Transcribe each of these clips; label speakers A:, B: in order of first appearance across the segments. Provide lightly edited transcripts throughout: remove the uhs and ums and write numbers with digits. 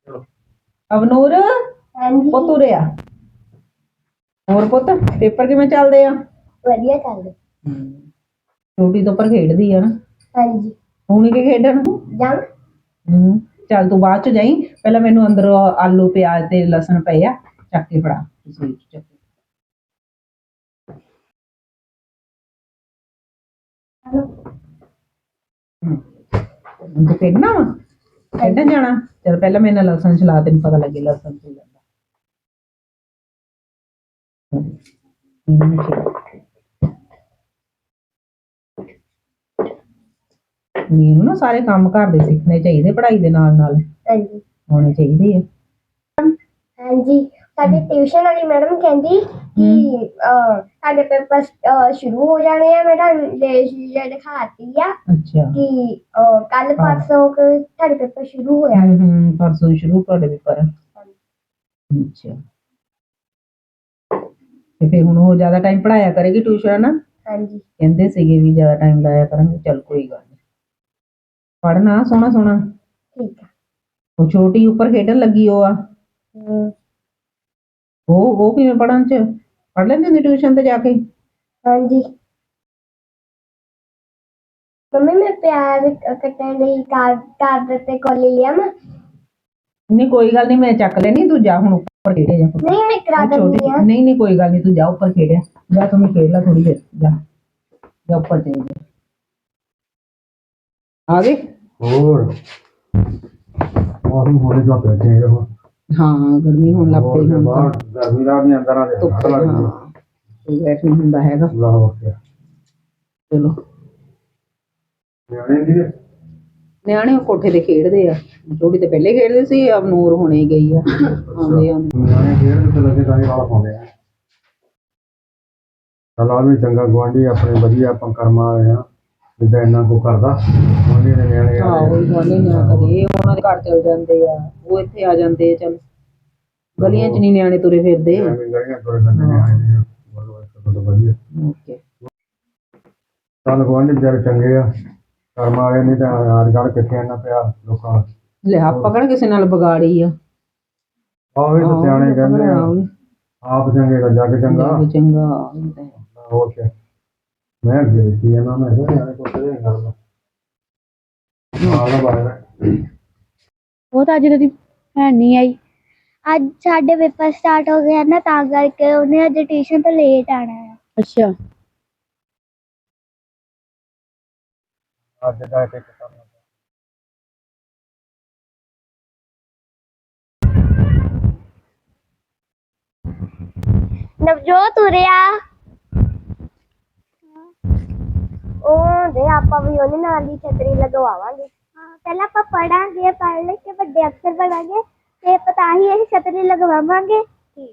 A: ਅਵਨੂਰ
B: ਹਾਂਜੀ
A: ਪੁੱਤ ਉਰੇ ਆ। ਹੋਰ ਪੁੱਤ ਪੇਪਰ ਕਿਵੇਂ ਚੱਲਦੇ ਆ?
B: ਵਧੀਆ ਚੱਲਦੇ।
A: ਛੋਟੀ ਤੋਂ ਪਰ ਖੇਡਦੀ ਆ ਨਾ।
B: ਹਾਂਜੀ
A: ਹੁਣ ਕੀ ਖੇਡਣ?
B: ਜਾਂ
A: ਚੱਲ ਤੂੰ ਬਾਅਦ ਚ ਜਾਈ, ਪਹਿਲਾਂ ਮੈਨੂੰ ਅੰਦਰ ਆਲੂ ਪਿਆਜ਼ ਤੇ ਲਸਣ ਪਏ ਆ, ਚੱਕ ਕੇ ਫੜਾ ਰਸੋਈ ਚ ਚੱਕ ਕੇ। ਹੁਣ ਤੂੰ ਖੇਡਣਾ ਵਾ? ਖੇਡਣ ਜਾਣਾ? ਚਲ ਪਹਿਲਾਂ ਮੇਰੇ ਨਾਲ ਲਸਣ ਚਲਾ, ਤੈਨੂੰ ਪਤਾ ਲੱਗੇ ਲਸਣ ਕੀ ਜਾਂਦਾ। ਮੈਨੂੰ ਨਾ ਸਾਰੇ ਕੰਮ ਘਰ ਦੇ ਸਿੱਖਣੇ ਚਾਹੀਦੇ, ਪੜ੍ਹਾਈ ਦੇ ਨਾਲ ਨਾਲ
B: ਹਾਂਜੀ
A: ਹੋਣੇ ਚਾਹੀਦੇ ਆ।
B: ਹਾਂਜੀ ਸਾਡੀ ਟਿਊਸ਼ਨ ਵਾਲੀ ਮੈਡਮ ਕਹਿੰਦੀ ਕਿ ਸਾਡੇ ਪੇਪਰ ਸ਼ੁਰੂ ਹੋ ਜਾਣੇ ਆ। ਮੈਂ ਤੁਹਾਨੂੰ ਦਿਖਾਤੀ ਆ
A: ਅੱਛਾ
B: ਕਿ ਕੱਲ ਪਰਸੋਂ ਸਾਡੇ ਪੇਪਰ ਸ਼ੁਰੂ ਹੋ ਜਾਣੇ।
A: ਪਰਸੋਂ ਸ਼ੁਰੂ ਤੁਹਾਡੇ ਪੇਪਰ? ਅੱਛਾ ਤੇ ਫਿਰ ਹੁਣ ਉਹ ਜ਼ਿਆਦਾ ਟਾਈਮ ਪੜ੍ਹਾਇਆ ਕਰੇਗੀ ਟਿਊਸ਼ਨ ਨਾ?
B: ਹਾਂਜੀ
A: ਕਹਿੰਦੇ ਸੀਗੇ ਵੀ ਜ਼ਿਆਦਾ ਟਾਈਮ ਲਾਇਆ ਕਰਾਂਗੇ। ਚੱਲ ਕੋਈ ਗੱਲ ਨਹੀਂ, ਪੜ੍ਹਨਾ ਸੋਹਣਾ ਸੋਹਣਾ।
B: ਠੀਕ ਆ।
A: ਉਹ ਛੋਟੀ ਉੱਪਰ ਖੇਡਣ ਲੱਗੀ ਉਹ ਆ, ਉਹ ਕਿਵੇਂ ਪੜ੍ਹਨ ਚ ਪੜ੍ਹ ਲੈਂਦੀ ਹੁੰਦੀ ਟਿਊਸ਼ਨ ਤੇ ਜਾ ਕੇ?
B: ਹਾਂਜੀ ਮੰਮੀ ਮੈਂ ਪਿਆਜ਼ ਕੱਟਣ ਲਈ ਕਾਗਜ਼ ਤੇ ਕੋਲੀ ਲਿਆ ਮੈਂ।
A: ਨਹੀਂ ਕੋਈ ਗੱਲ ਨਹੀਂ, ਮੈਂ ਚੱਕ ਲੈਣੀ, ਤੂੰ ਜਾ ਹੁਣ ਉੱਪਰ ਖੇਡਿਆ ਜਾ।
B: ਨਹੀਂ ਮੈਂ ਕਰਾ ਦਿੰਦੀ ਆ।
A: ਨਹੀਂ ਕੋਈ ਗੱਲ ਨਹੀਂ, ਤੂੰ ਜਾ ਉੱਪਰ ਖੇਡਿਆ ਜਾ, ਤੂੰ ਖੇਡ ਲੈ ਥੋੜੀ ਦੇਰ, ਜਾ ਉੱਪਰ ਚਲੀ ਜਾ। ਆ ਗਏ?
C: ਹੋਰ ਮੌਸਮ ਹੋਣੇ ਤੋਂ ਬੈਠੇ ਹੋ।
A: ਹਾਂ ਗਰਮੀ ਹੋਣ ਲੱਗ ਪਈ ਹੁਣ ਤਾਂ।
C: ਗਰਮੀ ਦਾ ਵੀ ਅੰਦਰ ਆ
A: ਧੁੱਪ ਬੈਠ ਨਹੀਂ ਹੁੰਦਾ ਹੈਗਾ। ਚਲੋ ਨਿਆਣੇ ਕੋਠੇ ਤੇ ਖੇਡਦੇ ਆ, ਛੋਟੀ ਤੇ ਪਹਿਲੇ ਖੇਡਦੇ ਸੀ, ਅਵਨੂਰ ਹੁਣੇ ਗਈ ਆ।
C: ਨਿਆਣੇ ਖੇਡ ਤੇ ਲੱਗੇ ਤਾਂ ਹੀ ਵਾਲਾ ਪਾਉਂਦੇ ਆ। ਚਲ ਆ ਵੀ ਚੰਗਾ, ਗੁਆਂਢੀ ਆਪਣੇ ਵਧੀਆ, ਆਪਾਂ ਕਰਮਾਂ ਵਾਲੇ ਆ ਜਿੱਦਾਂ ਇੰਨਾ ਕੁ ਕਰਦਾ ਗੁਆਂਢੀ ਦੇ ਨਿਆਣੇ।
A: ਹਾਂ ਉਹੀ ਗੁਆਂਢੀ ਨਾ ਕਦੇ ਉਹਨਾਂ ਦੇ ਘਰ ਚਲ ਜਾਂਦੇ ਆ, ਉਹ ਇੱਥੇ ਆ ਜਾਂਦੇ ਆ। ਚੱਲ ਗਲੀਆਂ ਚ ਨਹੀਂ ਨਿਆਣੇ ਤੁਰੇ ਫਿਰਦੇ।
C: ਵਧੀਆ ਚੱਲ ਗੁਆਂਢੀ ਵਿਚਾਰੇ ਚੰਗੇ ਆ, ਕਰਮਾਂ ਵਾਲੇ, ਨਹੀਂ ਤਾਂ ਅੱਜ ਕੱਲ੍ਹ ਕਿੱਥੇ ਇੰਨਾ ਪਿਆ ਲੋਕਾਂ ਨੂੰ।
A: ਲੈ ਆਪਾਂ ਕਿਹੜਾ ਕਿਸੇ ਨਾਲ ਵਿਗਾੜੀ ਆ।
C: ਆਹੋ ਇਹ ਤਾਂ ਸਿਆਣੇ ਕਹਿੰਦੇ ਆ, ਆਪ ਚੰਗੇ ਤਾਂ ਜੱਗ ਚੰਗਾ।
A: ਚੰਗਾ
C: ਹੋਰ ਕਿਆ। ਮੈਂ ਅੱਗੇ ਦੇਖੀ ਜਾਂਦਾ, ਮੈਂ ਕਿਹਾ ਨਿਆਣੇ ਕੁੱਤੇ ਦੇ ਗੱਲ
B: ਉਹ ਤਾਂ ਅੱਜ ਦੀ ਭੈਣ ਨਹੀਂ ਆਈ। ਅੱਜ ਸਾਡੇ ਪੇਪਰ ਸਟਾਰਟ ਹੋ ਗਏ ਨਾ, ਤਾਂ ਕਰਕੇ ਉਹਨੇ ਅੱਜ ਟਿਊਸ਼ਨ ਤੋਂ ਲੇਟ ਆਣਾ ਹੈ। ਅੱਛਾ
C: ਅੱਜ ਦਾ ਇੱਕ ਕੰਮ
B: ਨਵਜੋਤ ਉਰਿਆ ਉਹ ਦੇ ਆਪਾਂ ਵੀ ਉਹਦੇ ਨਾਲ ਦੀ ਛਤਰੀ ਲਗਵਾਵਾਂਗੇ। ਹਾਂ ਪਹਿਲਾਂ ਆਪਾਂ ਪੜਾਂਗੇ, ਪੜ੍ਹ ਲੈ ਕੇ ਵੱਡੇ ਅਫਸਰ ਬਣਾਂਗੇ ਤੇ ਪਤਾ ਹੀ ਇਹ ਛਤਰੀ ਲਗਵਾਵਾਂਗੇ। ਠੀਕ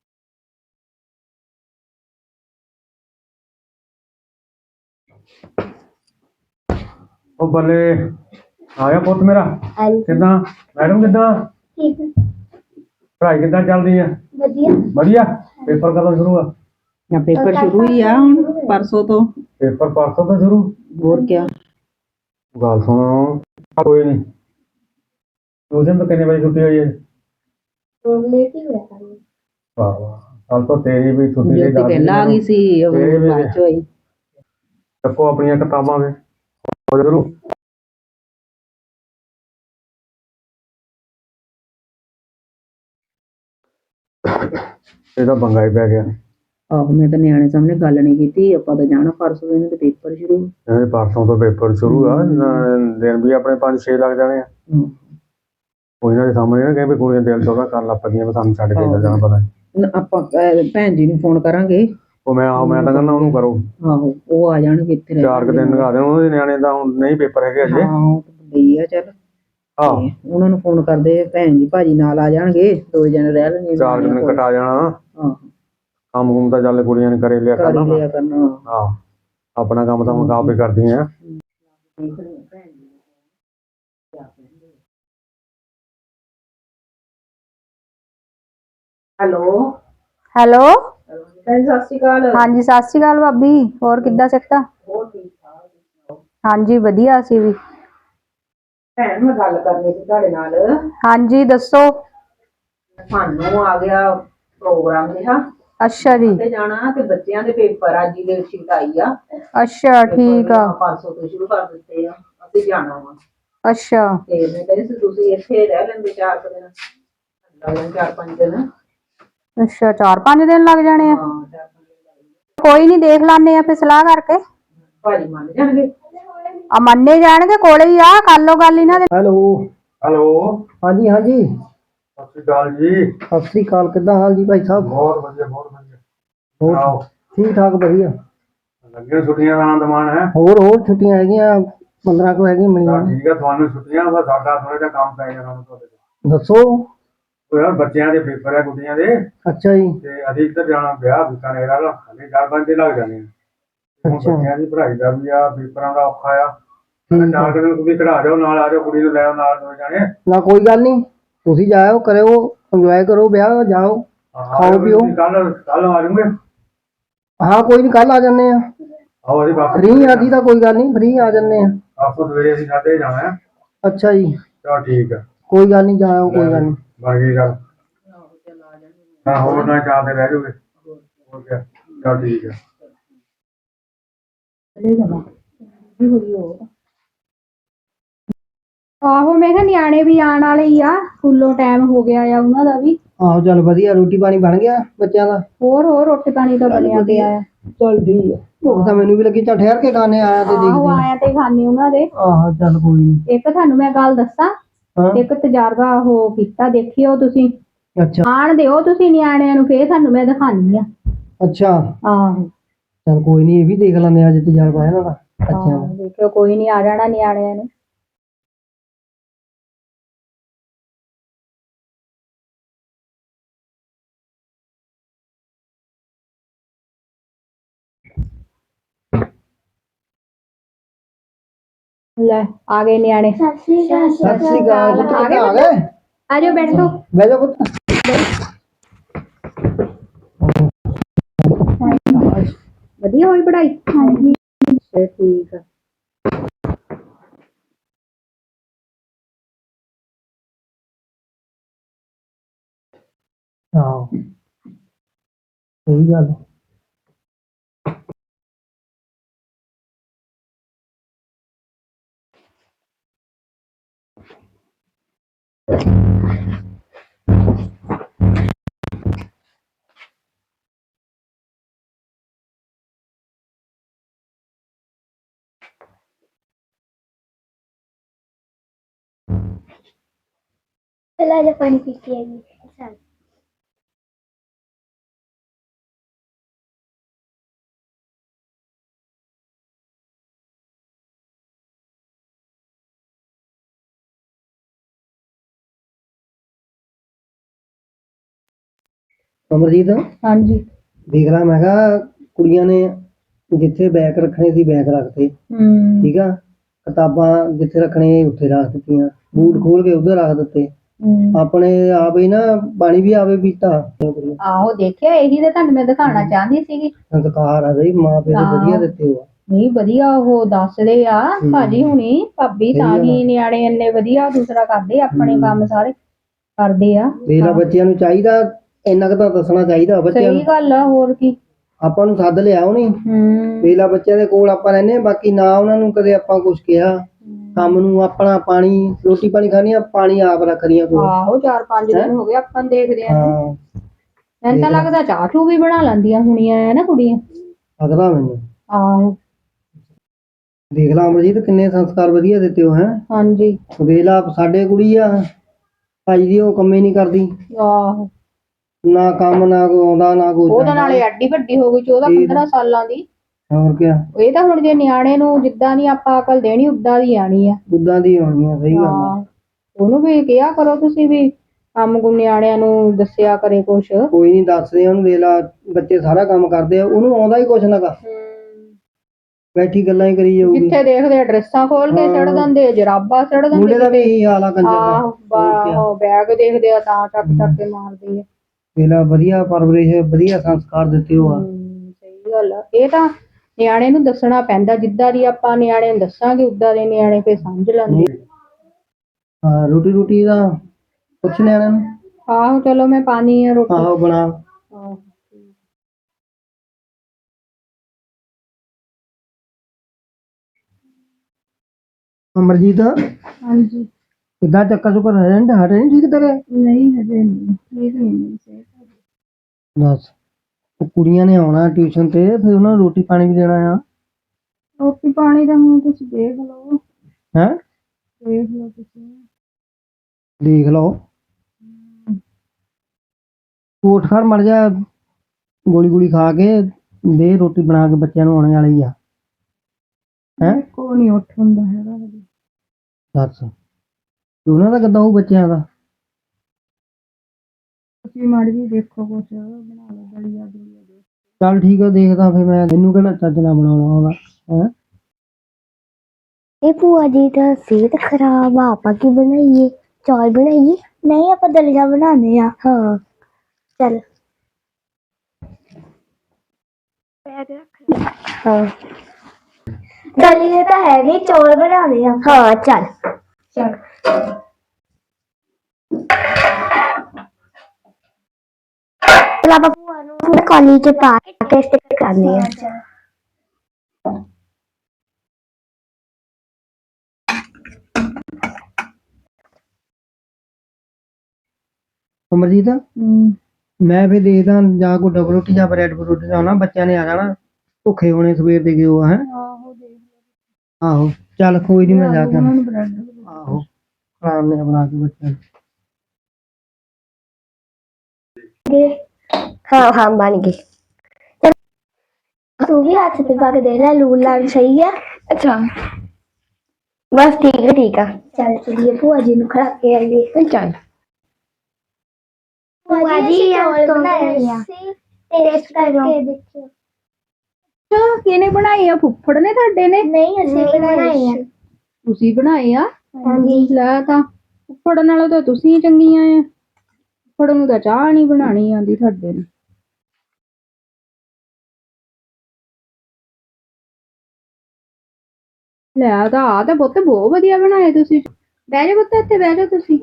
B: ਆ।
C: ਉਹ ਬੱਲੇ ਆਇਆ ਪੁੱਤ ਮੇਰਾ। ਕਿੱਦਾਂ ਮੈਡਮ, ਕਿੱਦਾਂ
B: ਠੀਕ ਹੈ।
C: ਪੜ੍ਹਾਈ ਕਿੱਦਾਂ ਚੱਲਦੀ ਆ?
B: ਵਧੀਆ
C: ਵਧੀਆ। ਪੇਪਰ ਕਦੋਂ ਸ਼ੁਰੂ ਆ?
A: ਪੇਪਰ ਸ਼ੁਰੂ ਹੀ ਆ ਹੁਣ ਪਰਸੋਂ ਤੋਂ।
C: ਪੇਪਰ ਪਰਸੋਂ ਤੋਂ ਸ਼ੁਰੂ?
A: ਹੋਰ ਕਿਆ।
C: ਗੱਲ ਸੁਣੋ, ਕੋਈ ਨਹੀਂ ਟਿਊਸ਼ਨ ਤੋਂ ਕਿੰਨੇ ਵਜੇ ਛੁੱਟੀ ਹੋਈ ਹੈ?
B: ਲੇਟ ਹੀ ਹੋਇਆ ਕੰਮ।
C: ਵਾਹ ਵਾਹ, ਕੱਲ ਤੋਂ ਤੇਰੀ ਵੀ ਛੁੱਟੀ ਦੀ
A: ਜੋਤੀ ਪਹਿਲਾਂ ਆ ਗਈ ਸੀ, ਉਹ ਬਾਅਦ ਚ ਹੋਈ।
C: ਚੱਕੋ ਆਪਣੀਆਂ ਕਿਤਾਬਾਂ ਵੇ ਸ਼ੁਰੂ। ਇਹਦਾ ਪੰਗਾ ਹੀ ਪੈ ਗਿਆ।
A: ਆਹੋ ਮੈਂ ਤਾਂ ਨਿਆਣੇ ਸਾਹਮਣੇ ਗੱਲ ਨਹੀਂ ਕੀਤੀ, ਆਪਾਂ ਤਾਂ ਜਾਣਾ ਪਰਸੋਂ, ਇਹਨਾਂ ਦੇ ਪੇਪਰ ਸ਼ੁਰੂ।
C: ਇਹਦੇ ਪਰਸੋਂ ਤੋਂ ਪੇਪਰ ਸ਼ੁਰੂ ਆ, ਦਿਨ ਵੀ ਆਪਣੇ 5-6 ਲੱਗ ਜਾਣੇ ਆ। ਉਹ ਇਹਨਾਂ ਦੇ ਸਾਹਮਣੇ ਨਾ ਕਹੇ ਵੀ ਕੁੜੀਆਂ ਦਿਲ ਚੋਦਾ ਕਰਨ ਲੱਗ ਪਈਆਂ ਵੀ ਸਾਨੂੰ ਛੱਡ ਕੇ ਜਾਣਾ ਪਤਾ।
A: ਆਪਾਂ ਭੈਣ ਜੀ ਨੂੰ ਫੋਨ ਕਰਾਂਗੇ।
C: ਉਹ ਮੈਂ ਤਾਂ ਕਹਿੰਦਾ ਉਹਨੂੰ ਕਰੋ।
A: ਆਹੋ ਉਹ ਆ ਜਾਣਗੇ ਇੱਥੇ।
C: 4 ਦਿਨ ਲਗਾ ਦੇਣ ਉਹਨਾਂ ਦੇ ਨਿਆਣੇ ਦਾ, ਹੁਣ ਨਹੀਂ ਪੇਪਰ ਹੈਗੇ ਅਜੇ।
A: ਹਾਂ ਉਹ ਗਈ ਆ। ਚੱਲ ਉਹਨਾਂ ਨੂੰ ਫੋਨ ਕਰਦੇ, ਭੈਣ ਜੀ ਭਾਜੀ ਨਾਲ ਆ ਜਾਣਗੇ, 2 ਜਣੇ ਰਹਿ ਲੈਣਗੇ।
C: 4 ਦਿਨ ਕਟਾ ਜਾਣਾ। ਕੰਮ ਕੁਮ ਤਾਂ ਚੱਲ ਕੁੜੀਆਂ ਨੇ ਕਰੇ ਲਿਆ ਕਰਨਾ। ਹਾਂ ਆਪਣਾ ਕੰਮ ਤਾਂ ਹੁਣ ਆਪੇ ਕਰਦੀਆਂ।
A: ਹੈਲੋ
D: ਹੈਲੋ
A: ਸਤਿ ਸ਼੍ਰੀ ਅਕਾਲ।
D: ਹਾਂਜੀ ਸਤਿ ਸ਼੍ਰੀ ਅਕਾਲ ਭਾਬੀ, ਹੋਰ ਕਿੱਦਾਂ ਸਿੱਖਤਾ?
A: ਹੋਰ ਠੀਕ ਠਾਕ।
D: ਹਾਂਜੀ ਵਧੀਆ, ਅਸੀਂ ਵੀ
A: ਭੈਣ ਮੈਂ ਗੱਲ ਕਰਨੀ ਸੀ ਤੁਹਾਡੇ ਨਾਲ।
D: ਹਾਂਜੀ ਦੱਸੋ।
A: ਸਾਨੂੰ ਆ ਗਿਆ ਪ੍ਰੋਗਰਾਮ ਜਿਹਾ
D: ਅੱਛਾ ਜੀ।
A: ਤੇ ਜਾਣਾ ਤੇ ਬੱਚਿਆਂ ਦੇ ਪੇਪਰ ਅੱਜ ਦੀ ਸ਼ੀਟ ਆਈ ਆ।
D: ਅੱਛਾ ਠੀਕ ਆ।
A: 500 ਤੋਂ ਸ਼ੁਰੂ ਕਰ ਦਿੱਤੇ ਆ। ਅਸੀਂ ਜਾਣਾ ਵਾ
D: ਅੱਛਾ
A: ਤੇ ਮੈਂ ਕਹਿੰਦੀ ਸੀ ਤੁਸੀਂ ਇੱਥੇ ਰਹਿ ਲੈਂਦੇ 4 ਦਿਨ, ਲੱਗ ਜਾਣ 4-5 ਦਿਨ।
D: ਅੱਛਾ 4-5 ਦਿਨ ਲੱਗ ਜਾਣੇ ਆ।
A: ਹਾਂ 4-5 ਦਿਨ ਲੱਗ ਜਾਣਗੇ।
D: ਕੋਈ ਨਹੀਂ ਦੇਖ ਲਾਨੇ ਆ ਫਿਰ ਸਲਾਹ ਕਰਕੇ।
A: ਭਾਜੀ ਮੰਨ ਜਾਣਗੇ।
D: ਆ ਮੰਨੇ ਜਾਣਗੇ, ਕੋਲੇ ਹੀ ਆ, ਕਰ ਲਓ ਗੱਲ ਇਹਨਾਂ ਦੇ।
E: ਹੈਲੋ।
C: ਹੈਲੋ,
E: ਹਾਂਜੀ ਹਾਂਜੀ।
C: ਸਤਿ ਸ਼੍ਰੀ ਅਕਾਲ ਜੀ।
E: ਸਤਿ ਸ੍ਰੀ ਅਕਾਲ, ਕਿੱਦਾਂ ਹਾਲ ਜੀ ਭਾਈ ਸਾਹਿਬ?
C: ਬਹੁਤ ਵਧੀਆ, ਬਹੁਤ ਵਧੀਆ।
E: ਹੋਰ
C: ਸੁਣਾਓ,
E: ਠੀਕ ਠਾਕ ਵਧੀਆ।
C: ਲੱਗੀਆਂ ਛੁੱਟੀਆਂ ਦਾ ਆਨੰਦ ਮਾਣ ਹੈ?
E: ਹੋਰ ਛੁੱਟੀਆਂ ਹੈਗੀਆਂ 15 ਕੁ ਹੈਗੀਆਂ
C: ਤਾਂ
E: ਮਿਲੀਆਂ।
C: ਠੀਕ ਹੈ, ਤੁਹਾਨੂੰ ਛੁੱਟੀਆਂ ਵਾ, ਸਾਡਾ ਥੋੜਾ ਜਿਹਾ ਕੰਮ ਪੈ ਜਾਣਾ ਤੁਹਾਡੇ ਤੋਂ।
E: ਦੱਸੋ।
C: ਉਹ ਯਾਰ ਬੱਚਿਆਂ ਦੇ ਪੇਪਰ ਹੈ, ਗੁੱਡੀਆਂ ਦੇ,
E: ਅੱਛਾ ਜੀ।
C: ਤੇ ਅਸੀਂ ਇੱਧਰ ਜਾਣਾ ਵਿਆਹ ਬੀਕਾਨੇਰ ਵਾਲਾ, ਹਲੇ 4-5 ਦਿਨ ਲੱਗ ਜਾਣੇ ਆ। ਹੁਣ
E: ਅੱਛਾ।
C: ਬੱਚਿਆਂ ਦੀ ਪੜ੍ਹਾਈ ਦਾ ਵੀ ਆ, ਪੇਪਰਾਂ ਦਾ ਔਖਾ ਆ।
E: ਠੀਕ ਆ।
C: 4 ਦਿਨ ਤੁਸੀਂ ਖੜਾ ਜਾਓ, ਨਾਲ ਆ ਜਾਓ, ਕੁੜੀ ਨੂੰ ਲੈ ਆਓ ਨਾਲ, ਦੋ ਜਾਣੇ।
E: ਨਾ ਕੋਈ ਗੱਲ ਨਹੀਂ, ਤੁਸੀਂ ਜਾਇਓ, ਕਰਿਓ ਇੰਜੋਏ ਕਰੋ, ਵਿਆਹ ਜਾਓ, ਖਾਓ ਪੀਓ।
C: ਕੱਲ ਆ ਜਾਓਗੇ?
E: ਹਾਂ ਕੋਈ ਨਹੀਂ, ਕੱਲ ਆ ਜੰਨੇ ਆ।
C: ਆਓ ਅਸੀਂ ਵਾਪਸ
E: ਫ੍ਰੀ ਆ ਜੀ, ਤਾਂ ਕੋਈ ਗੱਲ ਨਹੀਂ, ਫ੍ਰੀ ਆ ਜੰਨੇ ਆ।
C: ਆਪੋ ਸਵੇਰੇ ਅਸੀਂ 7 ਜਾਣਾ ਹੈ।
E: ਅੱਛਾ ਜੀ।
C: ਚਲੋ ਠੀਕ ਹੈ,
E: ਕੋਈ ਗੱਲ ਨਹੀਂ, ਜਾਇਓ, ਕੋਈ ਗੱਲ ਨਹੀਂ।
C: ਬਣ ਗਈ ਗੱਲ। ਹਾਂ ਹੋਰ ਨਾ 4 ਦਿਨ ਰਹਿ ਜਾਓਗੇ। ਹੋਰ ਕਿਆ, ਚਲ ਠੀਕ ਹੈ।
D: ਆਹੋ ਮੈਂ ਕਿਹਾ ਨਿਆਣੇ ਵੀ ਆਉਣ ਵਾਲੇ ਹੀ ਆ, ਸਕੂਲੋਂ ਟਾਈਮ ਹੋ ਗਿਆ ਆ ਉਹਨਾਂ ਦਾ ਵੀ।
E: ਆਹੋ ਚੱਲ ਵਧੀਆ, ਰੋਟੀ ਪਾਣੀ ਬਣ ਗਿਆ ਬੱਚਿਆਂ ਦਾ?
D: ਹੋਰ ਰੋਟੀ ਪਾਣੀ ਤਾਂ ਬਣਿਆ ਪਿਆ ਆ।
E: ਚੱਲ ਠੀਕ ਆ। ਭੁੱਖ ਤਾਂ ਮੈਨੂੰ ਵੀ ਲੱਗੀ, ਚੱਲ ਠਹਿਰ ਕੇ ਖਾਣੇ ਆਇਆ ਤੇ
D: ਆਹੋ
E: ਦੇਖਦੇ
D: ਆਇਆ ਤੇ ਖਾਣੇ ਉਹਨਾਂ ਦੇ।
E: ਆਹ ਚੱਲ ਕੋਈ ਨਹੀਂ।
D: ਇੱਕ ਤੁਹਾਨੂੰ ਮੈਂ ਗੱਲ ਦੱਸਾਂ,
E: ਹਾਂ
D: ਇੱਕ ਤਜਰਬਾ ਉਹ ਕੀਤਾ, ਦੇਖਿਓ ਤੁਸੀਂ।
E: ਅੱਛਾ
D: ਆਣ ਦਿਓ ਤੁਸੀਂ ਨਿਆਣਿਆਂ ਨੂੰ, ਫੇਰ ਤੁਹਾਨੂੰ ਮੈਂ ਦਿਖਾਣੀ ਆ।
E: ਅੱਛਾ।
D: ਆਹੋ
E: ਚੱਲ ਕੋਈ ਨਹੀਂ, ਇਹ ਵੀ ਦੇਖ ਲੈਂਦੇ ਆ ਅੱਜ ਤਜਰਬਾ ਇਹਨਾਂ ਦਾ ਬੱਚਿਆਂ ਦਾ।
D: ਦੇਖਿਓ, ਕੋਈ ਨਹੀਂ ਆ ਜਾਣਾ ਨਿਆਣਿਆਂ ਨੇ। ਲੈ ਆ ਗਏ ਨਿਆਣੇ।
B: ਸਤਿ ਸ੍ਰੀ ਅਕਾਲ।
E: ਸਤਿ ਸ੍ਰੀ ਅਕਾਲ ਪੁੱਤ, ਕਿੱਦਾਂ ਆ ਗਏ?
D: ਆ ਜਾਓ ਬੈਠੋ।
E: ਬਹਿ ਜਾ ਪੁੱਤ।
D: ਵਧੀਆ ਹੋਈ ਪੜ੍ਹਾਈ? ਹਾਂਜੀ ਠੀਕ ਆ।
E: ਹਾਂ ਸਹੀ ਗੱਲ।
B: चला जा पानी पी के आइए। चल।
E: ਅਮਰਜੀਤ
D: ਹਾਂਜੀ
E: ਦੇਖ ਲਾ, ਮੈਂ ਕਿਹਾ ਕੁੜੀਆਂ ਨੇ ਜਿੱਥੇ ਬੈਗ ਰੱਖਣੇ ਸੀ ਬੈਗ ਰੱਖਤੇ, ਠੀਕ ਆ। ਕਿਤਾਬਾਂ ਜਿੱਥੇ ਰੱਖਣੇ ਉੱਥੇ ਰੱਖ ਦਿੱਤੀਆਂ, ਬੂਟ ਖੋਲ ਕੇ ਉੱਧਰ ਰੱਖ ਦਿੱਤੇ। ਆਪਣੇ ਆਪ ਹੀ ਨਾ ਪਾਣੀ ਵੀ ਆਵੇ ਪੀਤਾ।
D: ਆਹੋ ਦੇਖਿਆ, ਇਹੀ ਤਾਂ ਤੁਹਾਨੂੰ ਮੈਂ ਦਿਖਾਉਣਾ ਚਾਹੁੰਦੀ ਸੀਗੀ।
E: ਸੰਸਕਾਰ ਆ ਬਈ, ਮਾਂ ਪਿਓ ਨੇ ਵਧੀਆ ਦਿੱਤੇ ਹੋ।
D: ਨਹੀਂ ਵਧੀਆ, ਉਹ ਦੱਸਦੇ ਆ ਭਾਜੀ ਹੁਣੀ, ਭਾਬੀ, ਤਾਂ ਹੀ ਨਿਆਣੇ ਇੰਨੇ ਵਧੀਆ ਦੂਸਰਾ ਕਰਦੇ, ਆਪਣੇ ਕੰਮ ਸਾਰੇ ਕਰਦੇ ਆ।
E: ਮੇਰਾ ਬੱਚਿਆਂ ਨੂੰ ਚਾਹੀਦਾ ਇੰਨਾ ਕੁ ਤਾਂ ਦੱਸਣਾ ਚਾਹੀਦਾ ਬੱਚਿਆਂ ਨੂੰ।
D: ਸਹੀ ਗੱਲ ਆ, ਹੋਰ ਕੀ।
E: ਆਪਾਂ ਨੂੰ ਸੱਦ ਲਿਆ ਉਹਨੇ, ਵੇਲਾ ਬੱਚਿਆਂ ਦੇ ਕੋਲ ਆਪਾਂ ਰਹਿੰਦੇ ਆ, ਬਾਕੀ ਨਾ ਉਹਨਾਂ ਨੂੰ ਕਦੇ ਆਪਾਂ ਕੁਝ ਕਿਹਾ। ਕੰਮ ਨੂੰ ਆਪਣਾ ਪਾਣੀ, ਰੋਟੀ ਪਾਣੀ ਖਾਣੀ ਆ, ਪਾਣੀ ਆਪ ਰੱਖਦੀਆਂ ਕੋਲ।
D: ਆਹੋ 4-5 ਦਿਨ ਹੋ ਗਏ ਆਪਾਂ ਨੂੰ ਦੇਖਦੇ ਆ।
E: ਹਾਂ
D: ਮੈਨੂੰ ਤਾਂ ਲੱਗਦਾ ਚਾਹ ਚੂ ਵੀ ਬਣਾ ਲੈਂਦੀਆਂ ਹੁਣੀਆਂ ਆ ਨਾ ਕੁੜੀਆਂ।
E: ਲੱਗਦਾ ਮੈਨੂੰ।
D: ਆਹੋ
E: ਦੇਖ ਲਾ ਅਮਰਜੀਤ, ਕਿੰਨੇ ਸੰਸਕਾਰ ਵਧੀਆ ਦਿੱਤੇ ਹੋ। ਹੈ
D: ਹਾਂਜੀ
E: ਵੇਲਾ ਸਾਡੇ ਕੁੜੀ ਆ ਭਾਈ ਦੀ, ਉਹ ਕੰਮੇ ਨਹੀਂ ਕਰਦੀ,
D: ਆਹੋ।
E: ਨਾ ਕੰਮ, ਨਾ ਕੋਈ ਆਉਂਦਾ, ਨਾ ਕੋਈ
D: ਉਹਦੇ ਨਾਲੇ ਐਡੀ ਵੱਡੀ ਹੋ ਗਈ, 14-15 ਸਾਲਾਂ ਦੀ।
E: ਹੋਰ ਕਿਆ।
D: ਇਹ ਤਾਂ ਹੁਣ ਜੇ ਨਿਆਣੇ ਨੂੰ ਜਿੱਦਾਂ ਦੀ ਆਪਾਂ ਅਕਲ ਦੇਣੀ ਉਦਾਂ ਦੀ ਆਣੀ ਆ।
E: ਉਦਾਂ ਦੀ ਹੋਣੀਆਂ, ਸਹੀ ਗੱਲ ਆ।
D: ਉਹਨੂੰ ਵੀ ਕਿਹਾ ਕਰੋ ਤੁਸੀਂ ਵੀ, ਕੰਮ ਕੁ ਨਿਆਣਿਆਂ ਨੂੰ ਦੱਸਿਆ ਕਰੇ ਕੁਛ।
E: ਕੋਈ ਨਹੀਂ ਦੱਸਦੇ ਉਹਨੂੰ, ਵੇਲਾ ਬੱਚੇ ਸਾਰਾ ਕੰਮ ਕਰਦੇ ਆ, ਉਹਨੂੰ ਆਉਂਦਾ ਹੀ ਕੁਛ ਨਾ ਕਰ, ਬੈਠੀ ਗੱਲਾਂ ਹੀ ਕਰੀ ਜਾਊਗੀ।
D: ਜਿੱਥੇ ਦੇਖਦੇ ਡਰੈਸਾਂ ਖੋਲ ਕੇ ਛੱਡ ਦਿੰਦੇ, ਜਰਾਬਾਂ ਛੱਡ ਦਿੰਦੇ।
E: ਮੁੰਡੇ ਦਾ ਵੀ ਇਹੀ ਹਾਲ ਆ ਕੰਜਰ ਦਾ।
D: ਆਹੋ ਬੈਗ ਦੇਖਦੇ ਆ ਤਾਂ ਚੱਕ ਕੇ ਮਾਰਦੇ ਆ।
E: ਵੇਲਾ ਵਧੀਆ ਪਰਵਰਿਸ਼, ਵਧੀਆ ਸੰਸਕਾਰ ਦਿੱਤੇ ਹੋ ਆ।
D: ਸਹੀ ਗੱਲ ਆ। ਇਹ ਤਾਂ ਨਿਆਣੇ ਨੂੰ ਦੱਸਣਾ ਪੈਂਦਾ, ਜਿੱਦਾਂ ਦੀ ਆਪਾਂ ਨਿਆਣੇ ਨੂੰ ਦੱਸਾਂਗੇ ਉਦਾਂ ਦੇ ਨਿਆਣੇ ਫੇਰ ਸਮਝ ਲੈਂਦੇ।
E: ਹਾਂ ਰੋਟੀ ਰੋਟੀ ਦਾ ਪੁੱਛ ਲਿਆ ਇਹਨਾਂ ਨੂੰ।
D: ਆਹੋ ਚਲੋ ਮੈਂ ਪਾਣੀ ਆ ਰੋਟੀ।
E: ਆਹੋ ਬਣਾ।
D: ਆਹੋ।
E: ਅਮਰਜੀਤ
D: ਹਾਂਜੀ।
E: ਕਿੱਦਾਂ ਚੱਕਰ ਚੁੱਕਰ ਰਹਿਣ ਹਟੇ ਨਹੀਂ ਠੀਕ ਤੇਰੇ?
D: ਨਹੀਂ ਹਜੇ ਨਹੀਂ ਠੀਕ ਨਹੀਂ ਸੇ।
E: ਦੱਸ ਉਹ ਕੁੜੀਆਂ ਨੇ ਆਉਣਾ ਟਿਊਸ਼ਨ ਤੇ ਫਿਰ ਉਹਨਾਂ ਨੂੰ ਰੋਟੀ ਪਾਣੀ ਵੀ ਦੇਣਾ ਆ।
D: ਰੋਟੀ ਪਾਣੀ ਦਾ ਹੁਣ ਤੁਸੀਂ ਦੇਖ ਲਓ।
E: ਹੈਂ
D: ਦੇਖ ਲਓ ਤੁਸੀਂ।
E: ਦੇਖ ਲਓ ਤੂੰ ਉੱਠ ਖੜ ਮਰ ਜਾ ਗੋਲੀ ਗੋਲੀ ਖਾ ਕੇ ਦੇ ਰੋਟੀ ਬਣਾ ਕੇ ਬੱਚਿਆਂ ਨੂੰ ਆਉਣੇ ਵਾਲੀ ਆ। ਹੈਂ
D: ਕੋਈ ਨਹੀਂ ਉੱਠ ਹੁੰਦਾ ਹੈਗਾ ਹਜੇ।
E: ਦੱਸ ਤੇ ਉਹਨਾਂ ਦਾ ਕਿੱਦਾਂ ਹੋਊ ਬੱਚਿਆਂ ਦਾ?
D: ਤੁਸੀਂ ਮਾੜੀ ਜੀ ਦੇਖੋ ਕੁਛ ਬਣਾ ਲਓ ਦਲੀਆ ਦੁਲੀਆ ਦੇ।
E: ਚੱਲ ਠੀਕ ਆ ਦੇਖਦਾ ਫਿਰ ਮੈਂ ਤੈਨੂੰ ਕਿਹੜਾ ਚੱਜ ਨਾਲ ਬਣਾਉਣਾ ਉਹਦਾ। ਹੈਂ
B: ਇਹ ਭੂਆ ਜੀ ਦਾ ਸਿਹਤ ਖਰਾਬ ਆ, ਆਪਾਂ ਕੀ ਬਣਾਈਏ? ਚੌਲ ਬਣਾਈਏ? ਨਹੀਂ ਆਪਾਂ ਦਲੀਆ ਬਣਾਉਂਦੇ ਆ। ਹਾਂ ਚੱਲ। ਹਾਂ ਦਲੀਆ ਤਾਂ ਹੈ ਨਹੀਂ, ਚੌਲ ਬਣਾਉਂਦੇ ਆ। ਹਾਂ ਚੱਲ ਚੱਲ। ਚਲ ਆਪਾਂ ਭੂਆ ਨੂੰ ਕਾਲੀ ਚ ਪਾ ਕੇ ਟੈਸਟ ਕਰਨੇ ਆ।
E: ਅਮਰਜੀਤ ਮੈਂ ਫਿਰ ਦੇਖਦਾ ਜਾਂ ਕੋਈ ਡਬਲ ਰੋਟੀ ਜਾਂ ਬ੍ਰੈਡ ਪਰੋਠੀ ਲਾਉਣਾ ਬੱਚਿਆਂ ਨੇ ਆ ਜਾਣਾ ਭੁੱਖੇ ਹੋਣੇ ਸਵੇਰ ਦੇ ਗਿਓ ਹੈ।
D: ਆਹੋ ਦੇਖ
E: ਆਹੋ ਚੱਲ ਕੋਈ ਨਹੀਂ ਮੈਂ ਜਾ ਕੇ
D: ਉਹਨਾਂ ਨੂੰ ਬ੍ਰੈਡ
E: ਆਹੋ ਖਾਣ ਨੇ ਬਣਾ ਕੇ ਬੱਚਿਆਂ ਨੂੰ।
B: हाँ हाँ बन गई। तू भी हाथ से पा के देख ले लून लाल सही है। अच्छा बस ठीक है ठीक है। चल चलिए भूआ जी ने खड़ा के आइए। चल भूआ जी आज तो टेस्ट करके देखियो।
D: ਅੱਛਾ ਕਿਹਨੇ ਬਣਾਏ ਆ? ਫੁੱਫੜ ਨੇ ਤੁਹਾਡੇ ਨੇ?
B: नहीं ऐसे बनाए हैं।
D: ਤੁਸੀਂ ਬਣਾਏ ਆ?
B: ਹਾਂਜੀ।
D: ਲੈ ਤਾਂ ਫੁੱਫੜ ਨਾਲੋਂ ਤਾਂ ਤੁਸੀਂ ਚੰਗੀਆਂ ਆ। ਫੁੱਫੜ ਨੂੰ ਤਾਂ ਚਾਹ ਨਹੀਂ ਬਣਾਣੀ ਆਉਂਦੀ ਤੁਹਾਡੇ ਨੂੰ। ਲੈ ਤਾਂ ਆ ਤਾਂ ਪੁੱਤ ਬਹੁਤ ਵਧੀਆ ਬਣਾਏ ਤੁਸੀਂ। ਬਹਿ ਜਾ ਪੁੱਤ ਇੱਥੇ ਬਹਿ ਜਾ ਤੁਸੀਂ।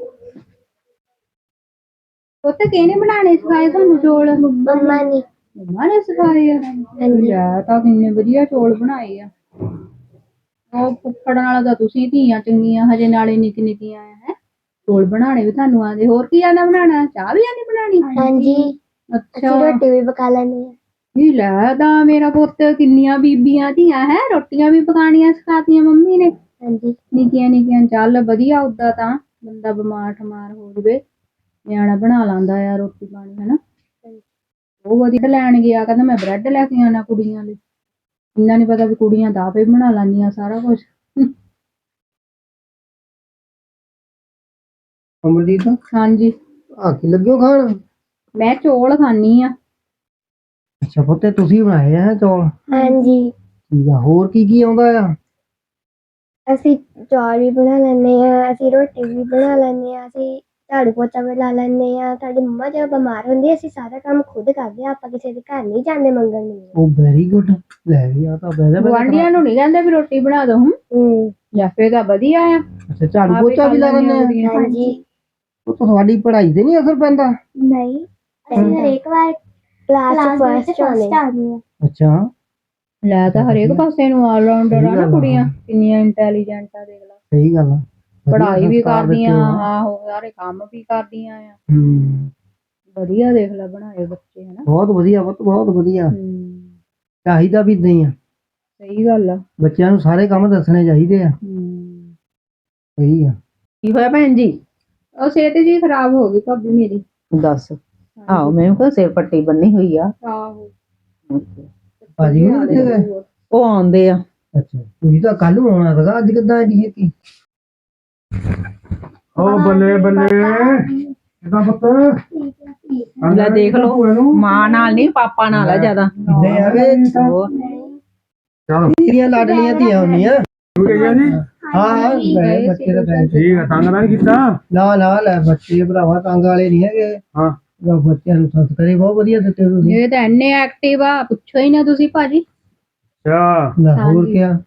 D: ਪੁੱਤ ਕਿਹਨੇ ਬਣਾਣੇ ਸਿਖਾਏ ਤੁਹਾਨੂੰ ਚੌਲ?
B: मम्मा ने।
D: ਮੰਮਾ ਨੇ ਸਿਖਾਏ ਆ? ਲੈ ਤਾਂ ਕਿੰਨੇ ਵਧੀਆ ਚੌਲ ਬਣਾਏ ਆ। ਉਹ ਫੁੱਫੜ ਨਾਲ ਤਾਂ ਤੁਸੀਂ ਧੀਆਂ ਚੰਗੀਆਂ ਹਜੇ ਨਾਲੇ ਨਿੱਕੀ ਨਿੱਕੀਆਂ ਆ ਹੈ। ਚੌਲ ਬਣਾਣੇ ਵੀ ਤੁਹਾਨੂੰ ਆਉਂਦੇ। ਹੋਰ ਕੀ ਆਉਂਦਾ ਬਣਾਉਣਾ? ਚਾਹ ਵੀ ਆਉਂਦੀ ਬਣਾਉਣੀ?
B: हाँ जी
D: ਅੱਛਾ
B: रोटी भी पका लेनी है।
D: ਨਹੀਂ ਲੈ ਤਾਂ ਮੇਰਾ ਪੁੱਤ ਕਿੰਨੀਆਂ ਬੀਬੀਆਂ ਧੀਆਂ ਹੈ ਰੋਟੀਆਂ ਵੀ ਪਕਾਉਣੀਆਂ ਸਿਖਾਤੀਆਂ ਮੰਮੀ ਨੇ।
B: हाँ जी
D: ਨਿੱਕੀਆਂ ਨਿੱਕੀਆਂ ਚੱਲ ਵਧੀਆ। ਉਦਾਂ ਤਾਂ ਬੰਦਾ ਬਿਮਾਰ ਠਮਾਰ ਹੋ ਜਵੇ ਨਿਆਣਾ ਬਣਾ ਲੈਂਦਾ ਆ ਰੋਟੀ ਪਾਣੀ ਹਨਾ। ਉਹ ਵਧੀਆ ਲੈਣ ਗਿਆ ਕਹਿੰਦਾ ਮੈਂ ਬ੍ਰੈਡ ਲੈ ਕੇ ਆਉਣਾ ਕੁੜੀਆਂ ਲਈ। ਇੰਨਾ ਨੀ ਪਤਾ ਵੀ ਕੁੜੀਆਂ ਤਾਂ ਆਪੇ ਬਣਾ ਲੈਂਦੀਆਂ ਸਾਰਾ ਕੁਛ।
E: ਅਮਰਜੀਤ
D: ਹਾਂਜੀ
E: ਆ ਕੀ ਲੱਗਿਓ ਖਾਣ?
D: ਮੈਂ ਚੌਲ ਖਾਣੀ ਆ।
E: ਅੱਛਾ ਪੁੱਤੇ ਤੁਸੀਂ ਬਣਾਏ ਆ ਚੌਲ?
B: हाँ जी
E: ਠੀਕ ਆ ਹੋਰ ਕੀ ਆਉਂਦਾ ਆ?
B: ਅਸੀਂ ਚੌਲ ਵੀ ਬਣਾ ਲੈਂਦੇ ਆ, ਅਸੀਂ ਰੋਟੀ ਵੀ ਬਣਾ ਲੈਂਦੇ ਆ, ਅਸੀਂ ਝਾੜੂ ਪੋਚਾ ਵੀ ਲਾ ਲੈਂਦੇ ਆ। ਸਾਡੀ ਮੰਮਾ ਜਦੋਂ ਬਿਮਾਰ ਹੁੰਦੀ ਅਸੀਂ ਸਾਰਾ ਕੰਮ ਖੁਦ ਕਰਦੇ ਆ। ਆਪਾਂ ਕਿਸੇ ਦੇ ਘਰ ਨਹੀਂ ਜਾਂਦੇ ਮੰਗਣ ਨੂੰ।
E: ਉਹ ਵੈਰੀ ਗੁੱਡ। ਲੈ ਵੀ ਆ ਤਾਂ ਬਹਿ
D: ਗੁਆਂਢੀਆਂ ਨੂੰ ਨਹੀਂ ਕਹਿੰਦੇ ਵੀ ਰੋਟੀ ਬਣਾ ਦੋ। ਜਾਂ ਫੇਰ ਤਾਂ ਵਧੀਆ ਆ।
E: ਅੱਛਾ ਝਾੜੂ ਪੋਚਾ ਵੀ ਲਾ ਲੈਂਦੇ ਆ?
B: हाँ जी
E: ਉਹ ਤੁਹਾਡੀ ਪੜ੍ਹਾਈ ਤੇ ਨਹੀਂ ਅਸਰ ਪੈਂਦਾ?
B: नहीं ਅਸੀਂ ਹਰੇਕ ਵਾਰ ਕਲਾਸ ਫਸਟ ਆਉਂਦੇ ਆ।
E: ਅੱਛਾ
D: ਲੈ ਤਾਂ ਹਰੇਕ ਪਾਸੇ ਨੂੰ ਆਲ ਰਾਉਂਡਰ ਆ ਨਾ ਕੁੜੀਆਂ। ਕਿੰਨੀਆਂ ਇੰਟੈਲੀਜੈਂਟ ਆ ਦੇਖ ਲਾ।
E: ਸਹੀ ਗੱਲ ਆ।
D: ਪੜ੍ਹਾਈ ਵੀ ਕਰਦੀਆਂ ਆਹੋ ਸਾਰੇ ਕੰਮ ਵੀ ਕਰਦੀਆਂ ਆ। ਵਧੀਆ ਦੇਖ ਲੈ ਬਣਾਏ ਬੱਚੇ ਹਨਾ।
E: ਬਹੁਤ ਵਧੀਆ ਬਹੁਤ ਵਧੀਆ। ਚਾਹੀਦਾ ਵੀ ਏਦਾਂ ਹੀ ਆ।
D: ਸਹੀ ਗੱਲ ਆ।
E: ਬੱਚਿਆਂ ਨੂੰ ਸਾਰੇ ਕੰਮ ਦੱਸਣੇ ਚਾਹੀਦੇ ਆ। ਸਹੀ ਆ।
A: ਕੀ ਹੋਇਆ ਭੈਣ ਜੀ?
D: ਉਹ ਸਿਹਤ ਜੀ ਖਰਾਬ ਹੋ ਗਈ ਭਾਬੀ ਮੇਰੀ।
A: ਦੱਸ। ਆਹੋ ਮੈਨੂੰ ਤਾਂ ਸਿਰ ਪੱਟੀ ਬੰਨੀ ਹੋਈ ਆ।
D: ਆਹੋ
E: ਭਾਜੀ ਨੂੰ ਕਿੱਥੇ ਗਏ?
A: ਉਹ ਆਉਂਦੇ ਆ।
E: ਅੱਛਾ ਤੁਸੀਂ ਤਾਂ ਕੱਲ ਨੂੰ ਆਉਣਾ ਸੀਗਾ ਅੱਜ ਕਿੱਦਾਂ ਐਡੀ ਛੇਤੀ? ਓ ਬੱਲੇ ਬੱਲੇ ਕਿੱਦਾਂ ਪੁੱਤ?
A: ਲੈ ਦੇਖ ਲਓ ਮਾਂ ਨਾਲ ਨਹੀਂ ਪਾਪਾ ਨਾਲ ਆ ਜ਼ਿਆਦਾ।
E: ਕਿੱਦਾਂ ਆ ਗਏ?
A: ਹੋਰ
C: ਚਲੋ
E: ਤੇਰੀਆਂ ਲਾਡਲੀਆਂ ਧੀਆਂ ਹੁੰਦੀਆਂ।
C: ਤੂੰ ਕਿਹਾ ਜੀ?
E: ਹਾਂ ਗਏ ਬੱਚੇ ਤਾਂ ਗਏ।
C: ਠੀਕ ਆ ਤੰਗ ਤਾਂ ਨਹੀਂ ਕੀਤਾ?
E: ਨਾ ਨਾ ਲੈ ਬੱਚੇ ਭਰਾਵਾ ਤੰਗ ਵਾਲੇ ਨਹੀਂ ਹੈਗੇ।
C: ਹਾਂ
E: ਬੱਚਿਆਂ ਨੂੰ ਸੰਸਕਾਰੇ ਬਹੁਤ ਵਧੀਆ ਦਿੱਤੇ ਤੁਸੀਂ।
D: ਇਹ ਤਾਂ ਇੰਨੇ ਐਕਟਿਵ ਆ ਪੁੱਛੋ ਹੀ ਨਾ ਤੁਸੀਂ ਭਾਜੀ।
C: ਅੱਛਾ
E: ਲੈ ਹੋਰ ਕਿਆ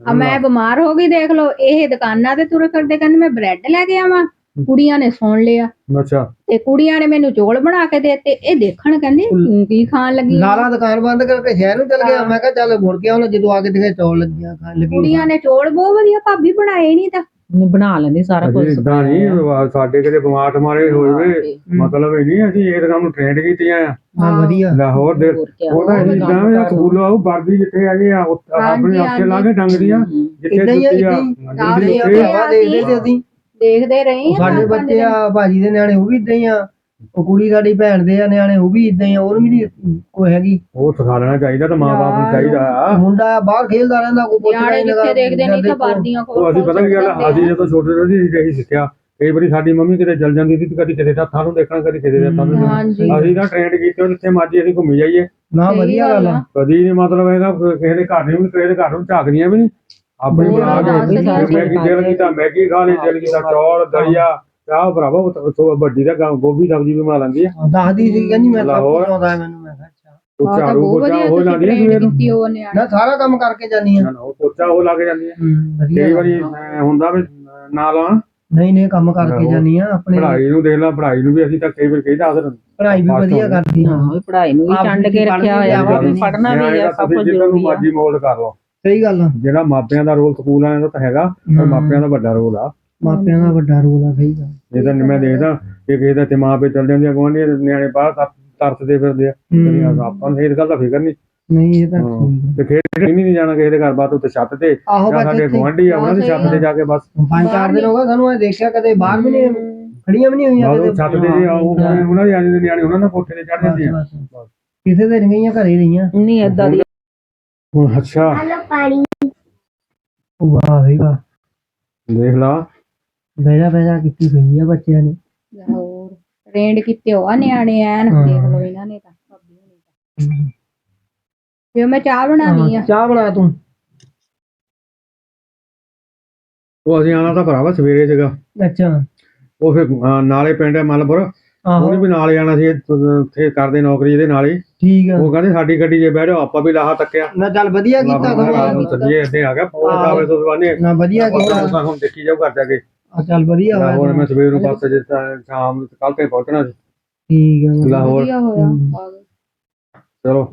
D: ਆ ਮੈਂ ਬਿਮਾਰ ਹੋ ਗਈ ਦੇਖ ਲਓ, ਇਹ ਦੁਕਾਨਾਂ ਤੇ ਤੁਰ ਫਿਰਦੇ ਕਹਿੰਦੇ ਮੈਂ ਬ੍ਰੈਡ ਲੈ ਕੇ ਆਵਾਂ, ਕੁੜੀਆਂ ਨੇ ਸੁਣ ਲਿਆ
C: ਅੱਛਾ
D: ਤੇ ਕੁੜੀਆਂ ਨੇ ਮੈਨੂੰ ਚੌਲ ਬਣਾ ਕੇ ਦੇਤੇ, ਇਹ ਦੇਖਣ ਕਹਿੰਦੇ ਤੂੰ ਕੀ ਖਾਣ ਲੱਗੀ ਆਂ?
E: ਲਾਲਾ ਦੁਕਾਨ ਬੰਦ ਕਰਕੇ ਸ਼ਹਿਰ ਨੂੰ ਚਲ ਗਿਆ। ਮੈਂ ਕਿਹਾ ਚੱਲ ਮੁੜ ਕੇ ਆਉਣਾ, ਜਦੋਂ ਆ ਕੇ ਦੇਖੇ ਚੌਲ ਲੱਗੀਆਂ ਖਾਣ ਲੱਗੀ।
D: ਕੁੜੀਆਂ ਨੇ ਚੌਲ ਬਹੁਤ ਵਧੀਆ ਭਾਬੀ ਬਣਾਏ ਨਹੀਂ ਤਾਂ
A: ਨਹੀਂ ਬਣਾ ਲੈਂਦੀ ਸਾਰਾ ਕੁਝ
C: ਇਦਾਂ ਨਹੀਂ ਸਾਡੇ ਕਿਤੇ ਬਿਮਾਰ ਮਾਰੇ ਹੋਏ ਮਤਲਬ ਇਹ ਨਹੀਂ ਅਸੀਂ ਇਹ ਕੰਮ ਨੂੰ ਟ੍ਰੇਨਡ ਕੀਤੀਆਂ ਆ
E: ਹਾਂ ਵਧੀਆ।
C: ਲਾਹੌਰ ਦੇ ਉਹਦਾ ਇਦਾਂ ਸਕੂਲੋਂ ਆਉ ਵਰਦੀ ਜਿੱਥੇ ਹੈਗੇ ਆ ਆਪਣੇ ਉੱਥੇ ਲਾ ਕੇ ਟੰਗ ਦੀਆਂ ਜਿੱਥੇ
E: ਏਦਾਂ ਹੀ ਆ,
C: ਜੁੱਤੀ ਆ
E: ਏਦਾਂ ਹੀ ਆ, ਭਰਾਵਾ ਦੇਖਦੇ ਸੀ ਅਸੀਂ।
D: ਦੇਖਦੇ ਰਹੇ ਆ
E: ਸਾਡੇ ਬੱਚੇ ਆ ਭਾਜੀ ਦੇ ਨਿਆਣੇ ਉਹ ਵੀ ਇਦਾਂ ਹੀ ਆ, ਉਹ ਕੁੜੀ ਸਾਡੀ ਭੈਣ ਦੇ ਆ ਨਿਆਣੇ ਉਹ ਵੀ ਇਦਾਂ ਹੀ ਆ, ਉਹਨੂੰ ਵੀ ਨਹੀਂ ਕੋਈ ਹੈਗੀ।
C: ਉਹ ਸਿਖਾ ਲੈਣਾ ਚਾਹੀਦਾ ਤਾਂ ਮਾਂ-ਬਾਪ ਨੂੰ ਚਾਹੀਦਾ ਆ।
E: ਮੁੰਡਾ ਬਾਹਰ ਖੇਲਦਾ ਰਹਿੰਦਾ, ਕੋਈ ਪੁੱਛਦਾ
D: ਨਿਆਣੇ
E: ਨਹੀਂ
D: ਜਿੱਥੇ ਦੇਖਦੇ ਨਹੀਂ ਤਾਂ ਵਰਦੀਆਂ
C: ਉਹ ਅਸੀਂ ਪਤਾ ਕੀ ਗੱਲ ਆ, ਅਸੀਂ ਜਦੋਂ ਛੋਟੇ ਹੁੰਦੇ ਸੀ ਇਹੀ ਸਿੱਖਿਆ। ਕਈ ਵਾਰੀ ਸਾਡੀ ਮੰਮੀ ਕਿਤੇ ਚਲ ਜਾਂਦੀ ਸੀ ਤੇ ਕਦੀ ਕਿਸੇ ਦਾ ਹੱਥਾਂ ਨੂੰ ਦੇਖਣਾ, ਕਦੀ ਕਿਸੇ ਦੇ ਹੱਥਾਂ ਨੂੰ ਦੇਖਣਾ।
D: ਹਾਂਜੀ
C: ਅਸੀਂ ਤਾਂ ਟ੍ਰੇਨਡ ਕੀਤੇ ਜਿੱਥੇ ਮਰਜੀ ਅਸੀਂ ਘੁੰਮੀ ਜਾਈਏ,
E: ਨਾ ਵਧੀਆ ਗੱਲ ਆ।
C: ਕਦੀ ਨਹੀਂ ਮਤਲਬ ਹੈਗਾ ਕਿਸੇ ਦੇ ਘਰ ਨੂੰ ਕਿਸੇ ਦੇ ਘਰ ਨੂੰ ਝਾਕਦੀਆਂ ਵੀ ਨਹੀਂ। ਆਪਣੀ ਬਣਾ ਕੇ ਮੈਗੀ ਦਿਲ ਕੀਤਾ ਮੈਗੀ ਖਾ ਲਈ, ਦਿਲ ਕੀਤਾ ਚੌਲ ਦਲੀਆ ਚਾਹ ਭਰਾਵਾ ਵੱਡੀ ਦਾ ਗੋਭੀ ਸਬਜ਼ੀ ਵੀ ਬਣਾ ਲੈਂਦੀ ਆ।
E: ਦੱਸਦੀ ਸੀ ਕਹਿੰਦੀ ਮੈਂ ਸਭ
C: ਲਾਹੌਰ।
E: ਕੁਝ ਆਉਂਦਾ ਮੈਨੂੰ। ਮੈਂ ਕਿਹਾ ਅੱਛਾ,
C: ਉਹ ਝਾੜੂ ਪੋਚਾ ਉਹ ਲਾਉਂਦੀ ਆ ਸਵੇਰ ਨੂੰ,
D: ਉਹ ਨਿਆਣੇ
E: ਮੈਂ ਸਾਰਾ ਕੰਮ ਕਰਕੇ ਜਾਨੀ ਆ।
C: ਉਹ ਪੋਚਾ ਉਹ ਲਾ ਕੇ ਜਾਂਦੀ ਆ।
E: ਵਧੀਆ
C: ਕਈ ਵਾਰੀ ਹੁੰਦਾ ਵੀ ਨਾ ਲਾਉਣ
E: ਨਹੀਂ ਕੰਮ ਕਰਕੇ ਜਾਨੀ ਆ। ਆਪਣੇ
C: ਪੜ੍ਹਾਈ ਨੂੰ ਦੇਖ ਲਾ, ਪੜ੍ਹਾਈ ਨੂੰ ਵੀ ਅਸੀਂ ਤਾਂ ਕਈ ਵਾਰ ਕਹਿੰਦਾ ਅਸਰ
E: ਪੜ੍ਹਾਈ ਵੀ ਵਧੀਆ ਕਰਦੀ ਆ।
A: ਹਾਂ ਪੜ੍ਹਾਈ ਨੂੰ ਵੀ ਚੰਡ ਕੇ ਰੱਖਿਆ ਹੋਇਆ ਵਾ, ਪੜ੍ਹਨਾ ਵੀ ਆ, ਸਭ ਕੁਝ ਜ਼ਰੂਰੀ ਆ।
C: ਮਰਜ਼ੀ ਮੋਲਡ ਕਰ ਲਓ।
E: ਸਹੀ ਗੱਲ ਆ।
C: ਜਿਹੜਾ ਮਾਪਿਆਂ ਦਾ ਰੋਲ ਸਕੂਲ ਵਾਲਿਆਂ ਦਾ ਤਾਂ ਹੈਗਾ, ਪਰ ਮਾਪਿਆਂ ਦਾ ਵੱਡਾ ਰੋਲ ਆ।
E: ਮਾਪਿਆਂ ਦਾ ਵੱਡਾ ਰੋਲ ਆ। ਸਹੀ ਗੱਲ।
C: ਇਹ ਤਾਂ ਮੈਂ ਦੇਖਦਾ ਕਿ ਕਿਸੇ ਦਾ ਤੇ ਮਾਂ ਪਿਓ ਚੱਲ ਜਾਂਦੇ ਆ ਗੁਆਂਢੀਆਂ ਦੇ ਨਿਆਣੇ ਬਾਹਰ ਤਰਸਦੇ ਫਿਰਦੇ ਆ। ਆਪਾਂ ਨੂੰ ਇਸ ਗੱਲ ਦਾ ਫਿਕਰ ਨਹੀਂ।
E: ਨਹੀਂ ਇਹ ਤਾਂ ਠੀਕ ਆ।
C: ਤੇ ਖੇਡ ਨਹੀਂ ਜਾਣਾ ਕਿਸੇ ਦੇ ਘਰ ਬਾਤ ਉੱਤੇ ਛੱਤ ਤੇ
E: ਆਹੋ
C: ਜਾਂ ਸਾਡੇ ਗੁਆਂਢੀ ਆ ਉਹਨਾਂ ਦੀ ਛੱਤ ਤੇ ਜਾ ਕੇ ਬਸ
E: 5-4 ਦਿਨ ਹੋ ਗਏ ਸਾਨੂੰ ਇਹ ਦੇਖਿਆ, ਕਦੇ ਬਾਹਰ ਵੀ ਨਹੀਂ ਖੜੀਆਂ ਵੀ ਨਹੀਂ ਹੋਈਆਂ
C: ਉਹ ਛੱਤ ਤੇ ਜੇ ਉਹਨਾਂ ਦੇ ਆਣੇ ਦੇ ਨਿਆਣੇ ਉਹਨਾਂ ਨਾਲ ਕੋਠੇ ਤੇ ਚੜ ਜਾਂਦੇ ਆ।
E: ਕਿਸੇ ਦੇ ਨਹੀਂ ਗਈਆਂ, ਘਰੇ ਰਹੀਆਂ।
A: ਨਹੀਂ ਏਦਾਂ ਦੀ
C: ਹੁਣ ਅੱਛਾ
B: ਪਾਣੀ
E: ਵਾਹ ਵੀ ਵਾਹ,
C: ਦੇਖ ਲਾ
E: ਬਹਿਜਾ ਕੀਤੀ ਪਈ ਆ ਬੱਚਿਆਂ ਨੇ।
D: ਹੋਰ ਟ੍ਰੇਨਡ ਕੀਤੇ ਹੋ ਆ ਨਿਆਣੇ ਐਨ ਦੇਖ ਲਓ ਇਹਨਾਂ ਨੇ ਤਾਂ ਭਾਬੀ ਹੋਣੀ ਤਾਂ। ਜੇ ਮੈਂ ਚਾਹ ਬਣਾਉਣੀ ਆ
E: ਚਾਹ ਬਣਾ ਤੂੰ।
C: ਉਹ ਅਸੀਂ ਆਣਾ ਤਾਂ ਭਰਾਵਾ ਸਵੇਰੇ ਸੀਗਾ।
E: ਅੱਛਾ
C: ਉਹ ਫਿਰ ਨਾਲੇ ਪਿੰਡ ਹੈ ਮਲਪੁਰ, ਉਹਨੇ ਵੀ ਨਾਲ ਜਾਣਾ ਸੀ ਉੱਥੇ ਕਰਦੇ ਨੌਕਰੀ ਇਹਦੇ ਨਾਲ ਹੀ।
E: ਠੀਕ ਆ।
C: ਉਹ ਕਹਿੰਦੇ ਸਾਡੀ ਗੱਡੀ 'ਚ ਬਹਿ ਜਾਓ, ਆਪਾਂ ਵੀ ਲਾਹਾ ਤੱਕਿਆ।
E: ਨਾ ਚੱਲ ਵਧੀਆ ਕੀਤਾ
C: ਸੱਜੇ ਇੱਥੇ ਆ ਗਿਆ ਫੋਨ ਆਵੇ ਤੋਂ ਬਾਨੇ
E: ਨਾ ਵਧੀਆ ਕੀਤਾ।
C: ਹੁਣ ਦੇਖੀ ਜਾਓ ਘਰ ਜਾ ਕੇ।
E: ਚੱਲ ਵਧੀਆ ਹੋਇਆ।
C: ਲਾਹੌਰ ਮੈਂ ਸਵੇਰ ਨੂੰ ਬੱਸ ਸ਼ਾਮ ਨੂੰ ਕੱਲ ਤੇ ਪਹੁੰਚਣਾ ਸੀ
E: ਠੀਕ ਆ।
C: ਲਾਹੌਰ।
D: ਵਧੀਆ ਹੋਇਆ ਆ ਗਏ।
C: ਚਲੋ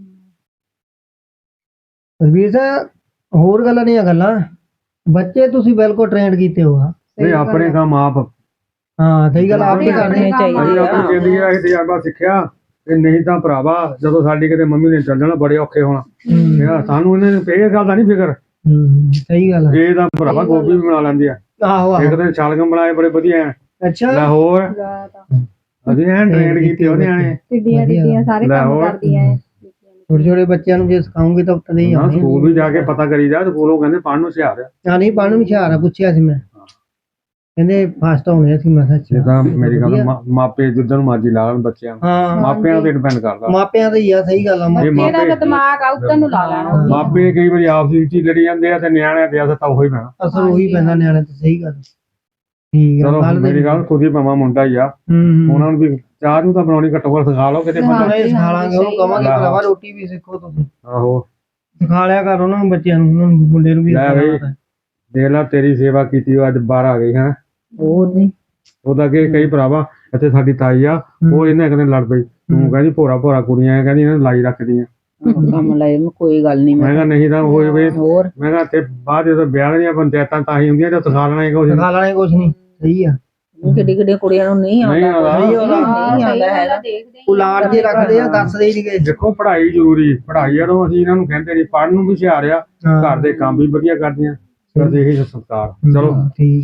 E: ਰਵੀਰ ਸਾਹਿਬ ਹੋਰ ਗੱਲਾਂ ਨਹੀਂ ਆ ਗੱਲਾਂ, ਬੱਚੇ ਤੁਸੀਂ ਬਿਲਕੁਲ ਟ੍ਰੇਨਡ ਕੀਤੇ ਹੋ ਆ।
C: ਇਹ ਆਪਣੇ ਕੰਮ ਆਪ
E: ਹਾਂ ਸਹੀ ਗੱਲ, ਆਪ ਹੀ ਕਰਦੇ
A: ਕਰਨੇ ਚਾਹੀਦੇ
C: ਅਸੀਂ
A: ਆ।
C: ਆਪਣੀ ਜ਼ਿੰਦਗੀ ਦਾ ਇਹ ਤਜਰਬਾ ਸਿੱਖਿਆ ਤੇ ਨਹੀਂ ਤਾਂ ਭਰਾਵਾ ਜਦੋਂ ਸਾਡੀ ਕਿਤੇ ਮੰਮੀ ਨੇ ਚੱਲ ਜਾਣਾ ਬੜੇ ਔਖੇ ਹੋਣਾ। ਸਾਨੂੰ ਇਹਨਾਂ ਨੂੰ ਇਹ ਗੱਲ ਦਾ ਨਹੀਂ ਫਿਕਰ।
E: ਸਹੀ ਗੱਲ ਆ।
C: ਇਹ ਤਾਂ ਭਰਾਵਾ ਗੋਭੀ ਵੀ ਬਣਾ ਲੈਂਦੀ ਆ।
E: ਆਹੋ
C: ਇੱਕ ਦਿਨ ਛਾਲਗਮ ਬਣਾਏ ਬੜੇ ਵਧੀਆ ਐ।
E: ਅੱਛਾ
C: ਲਾਹੌਰ ਅਸੀਂ ਐਨ ਟ੍ਰੇਨਡ ਕੀਤੇ ਉਹਨੇ ਆਣੇ
D: ਟਿੱਡੀਆਂ ਟਿੱਡੀਆਂ ਸਾਰੇ ਕੰਮ
C: ਲਾਹੌਰ।
D: ਕਰਦੀਆਂ ਐ।
E: ਛੋਟੇ ਛੋਟੇ ਬੱਚਿਆਂ ਨੂੰ ਜੇ ਸਿਖਾਉਂਗੇ ਤਾਂ ਉੱਤੇ ਹੀ
C: ਨਾ
E: ਆਉਣੇ।
C: ਸਕੂਲ ਵੀ ਜਾ ਕੇ ਪਤਾ ਕਰੀਦਾ, ਸਕੂਲੋਂ ਕਹਿੰਦੇ ਪੜ੍ਹਨ ਨੂੰ ਹੁਸ਼ਿਆਰ ਆ।
E: ਨਹੀਂ ਪੜ੍ਹਨ ਨੂੰ ਹੁਸ਼ਿਆਰ ਆ, ਪੁੱਛਿਆ ਸੀ ਮੈਂ, ਕਹਿੰਦੇ ਫਸਟ ਆਉਂਦੇ ਸੀ। ਮੈਂ
C: ਇਹ
E: ਕਿਹਾ
C: ਤਾਂ ਮੇਰੀ ਗੱਲ ਮਾਪੇ ਜਿੱਦਾਂ ਨੂੰ ਮਰਜ਼ੀ ਲਾ ਲੈਣ ਬੱਚਿਆਂ ਨੂੰ,
E: ਹਾਂ
C: ਮਾਪਿਆਂ ਤੇ ਡਿਪੈਂਡ ਕਰਦਾ।
E: ਮਾਪਿਆਂ ਦਾ ਹੀ ਆ। ਸਹੀ ਗੱਲ ਆ।
C: ਇਹ
D: ਇਹਦਾ ਤਾਂ
C: ਮਾਪੇ
D: ਦਿਮਾਗ ਆ ਉੱਧਰ ਨੂੰ ਲਾ ਲੈਣਾ।
C: ਮਾਪੇ ਕਈ ਵਾਰੀ ਆਪਸ ਵਿੱਚ ਹੀ ਲੜੀ ਜਾਂਦੇ ਆ ਤੇ ਨਿਆਣਿਆਂ ਤੇ ਅਸਰ ਤਾਂ ਉਹੀ ਪੈਣਾ।
E: ਅਸਰ ਉਹੀ ਪੈਂਦਾ ਨਿਆਣੇ ਤੇ। ਸਹੀ ਗੱਲ। ਠੀਕ ਆ।
C: ਚਲੋ ਮੇਰੀ ਗੱਲ ਖੁਦ ਹੀ ਭਾਵਾਂ ਮੁੰਡਾ ਹੀ ਆ, ਉਹਨਾਂ ਨੂੰ ਵੀ ਚਾਹ ਨੂੰ ਤਾਂ ਬਣਾਉਣੀ ਘੱਟੋ ਘੱਟ ਸਿਖਾ ਲਓ ਕਿਤੇ ਬੰਦਾ।
E: ਨਹੀਂ ਸਿਖਾ ਲਾਂਗੇ, ਉਹਨੂੰ ਕਵਾਂਗੇ ਭਰਾਵਾ ਰੋਟੀ ਵੀ ਸਿੱਖੋ ਤੁਸੀਂ,
C: ਆਹੋ
E: ਸਿਖਾ ਲਿਆ ਕਰ ਉਹਨਾਂ ਨੂੰ, ਬੱਚਿਆਂ ਨੂੰ, ਉਹਨਾਂ ਨੂੰ ਮੁੰਡੇ ਨੂੰ ਵੀ।
C: ਲੈ ਬਈ ਦੇਖ ਲਾ ਤੇਰੀ ਸੇਵਾ ਕੀਤੀ ਉਹ ਅੱਜ ਬਾਹਰ ਆ ਗਈ ਹੈ।
A: ਹੋਰ ਨਹੀਂ
C: ਉਹਦਾ ਕਿ ਕਈ ਭਰਾਵਾ ਇੱਥੇ ਸਾਡੀ ਤਾਈ ਆ, ਉਹ ਇਹਨੇ ਇੱਕ ਦਿਨ ਲੜ ਪਈ। ਤੂੰ ਕਹਿੰਦੀ ਭੋਰਾ ਭੋਰਾ ਕੁੜੀਆਂ ਕਹਿੰਦੀ ਇਹਨਾਂ ਨੂੰ ਲਾਈ ਰੱਖਦੀਆਂ।
A: ਕੰਮ ਲੈ ਕੋਈ ਗੱਲ ਨਹੀਂ।
C: ਮੈਂ ਕਿਹਾ ਨਹੀਂ ਤਾਂ ਹੋਏ ਵੇ।
A: ਹੋਰ
C: ਮੈਂ ਕਿਹਾ ਤੇ ਬਾਅਦ ਜਦੋਂ ਵਿਆਹ ਦੀਆਂ ਪੰਚਾਇਤਾਂ ਤਾਂ ਹੀ ਹੁੰਦੀਆਂ ਜਦ ਸਿਖਾ ਲੈਣਾ ਹੀ ਕੁਛ।
E: ਸਿਖਾ ਲੈਣਾ ਕੁਛ ਨਹੀਂ। ਸਹੀ ਆ।
A: ਕਿੱਡੀ ਕਿੱਡੀ ਕੁੜੀਆਂ ਨੂੰ ਨਹੀਂ
C: ਨਹੀਂ
A: ਆਉਂਦਾ।
C: ਆਉਂਦਾ।
E: ਸਹੀ ਆਉਂਦਾ।
A: ਨਹੀਂ ਆਉਂਦਾ ਹੈਗਾ।
E: ਉਹ ਲਾੜ ਜੇ ਰੱਖਦੇ ਆ, ਦੱਸਦੇ ਹੀ ਨਹੀਂ ਗਏ।
C: ਦੇਖੋ ਪੜ੍ਹਾਈ ਜ਼ਰੂਰੀ, ਪੜ੍ਹਾਈ ਜਦੋਂ ਅਸੀਂ ਇਹਨਾਂ ਨੂੰ ਕਹਿੰਦੇ ਨਹੀਂ ਪੜ੍ਹਨ ਨੂੰ ਵੀ ਹੁਸ਼ਿਆਰ ਆ, ਘਰ ਦੇ ਕੰਮ ਵੀ ਵਧੀਆ ਕਰਦੀਆਂ, ਬਸ ਇਹੀ ਸੰਸਕਾਰ। ਚਲੋ
E: ਠੀਕ।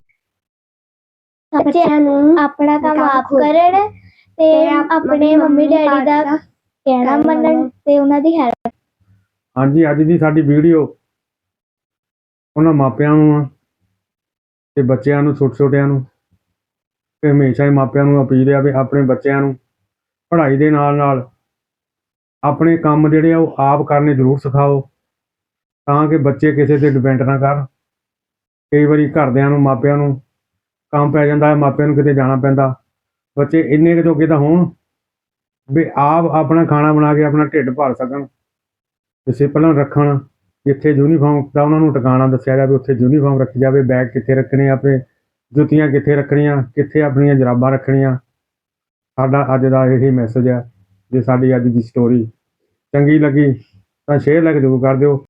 B: ਬੱਚਿਆਂ ਨੂੰ ਆਪਣਾ ਕੰਮ ਆਪ ਕਰਨ ਤੇ ਆਪਣੇ ਮੰਮੀ ਡੈਡੀ ਦਾ ਕਹਿਣਾ ਮੰਨਣ ਤੇ ਉਹਨਾਂ ਦੀ ਹੈਲਪ।
C: ਹਾਂਜੀ, ਅੱਜ ਦੀ ਸਾਡੀ ਵੀਡੀਓ ਉਹਨਾਂ ਮਾਪਿਆਂ ਨੂੰ ਆ ਤੇ ਬੱਚਿਆਂ ਨੂੰ, ਛੋਟੇ ਛੋਟਿਆਂ ਨੂੰ, ਤੇ ਹਮੇਸ਼ਾ ਹੀ ਮਾਪਿਆਂ ਨੂੰ ਅਪੀਲ ਆ ਵੀ ਆਪਣੇ ਬੱਚਿਆਂ ਨੂੰ ਪੜ੍ਹਾਈ ਦੇ ਨਾਲ ਨਾਲ ਆਪਣੇ ਕੰਮ ਜਿਹੜੇ ਆ ਉਹ ਆਪ ਕਰਨੇ ਜ਼ਰੂਰ ਸਿਖਾਓ, ਤਾਂ ਕਿ ਬੱਚੇ ਕਿਸੇ ਤੇ ਡਿਪੈਂਡ ਨਾ ਕਰਨ। ਕਈ ਵਾਰੀ ਘਰਦਿਆਂ ਨੂੰ, ਮਾਪਿਆਂ ਨੂੰ ਕੰਮ ਪੈ ਜਾਂਦਾ ਹੈ, ਮਾਪਿਆਂ ਨੂੰ ਕਿਤੇ ਜਾਣਾ ਪੈਂਦਾ। ਬੱਚੇ ਇੰਨੇ ਕੁ ਜੋਗੇ ਤਾਂ ਹੋਣ ਵੀ ਆਪ ਆਪਣਾ ਖਾਣਾ ਬਣਾ ਕੇ ਆਪਣਾ ਢਿੱਡ ਭਰ ਸਕਣ, ਡਿਸਿਪਲਨ ਰੱਖਣ, ਜਿੱਥੇ ਯੂਨੀਫਾਰਮ ਦਾ ਉਹਨਾਂ ਨੂੰ ਟਿਕਾਣਾ ਦੱਸਿਆ ਜਾਵੇ, ਉੱਥੇ ਯੂਨੀਫਾਰਮ ਰੱਖੀ ਜਾਵੇ। ਬੈਗ ਕਿੱਥੇ ਰੱਖਣੇ, ਆਪਣੇ ਜੁੱਤੀਆਂ ਕਿੱਥੇ ਰੱਖਣੀਆਂ, ਕਿੱਥੇ ਆਪਣੀਆਂ ਜਰਾਬਾਂ ਰੱਖਣੀਆਂ। ਸਾਡਾ ਅੱਜ ਦਾ ਇਹੀ ਮੈਸੇਜ ਹੈ। ਜੇ ਸਾਡੀ ਅੱਜ ਦੀ ਸਟੋਰੀ ਚੰਗੀ ਲੱਗੀ ਤਾਂ ਸ਼ੇਅਰ ਲਾਈਕ ਜ਼ਰੂਰ ਕਰ ਦਿਓ।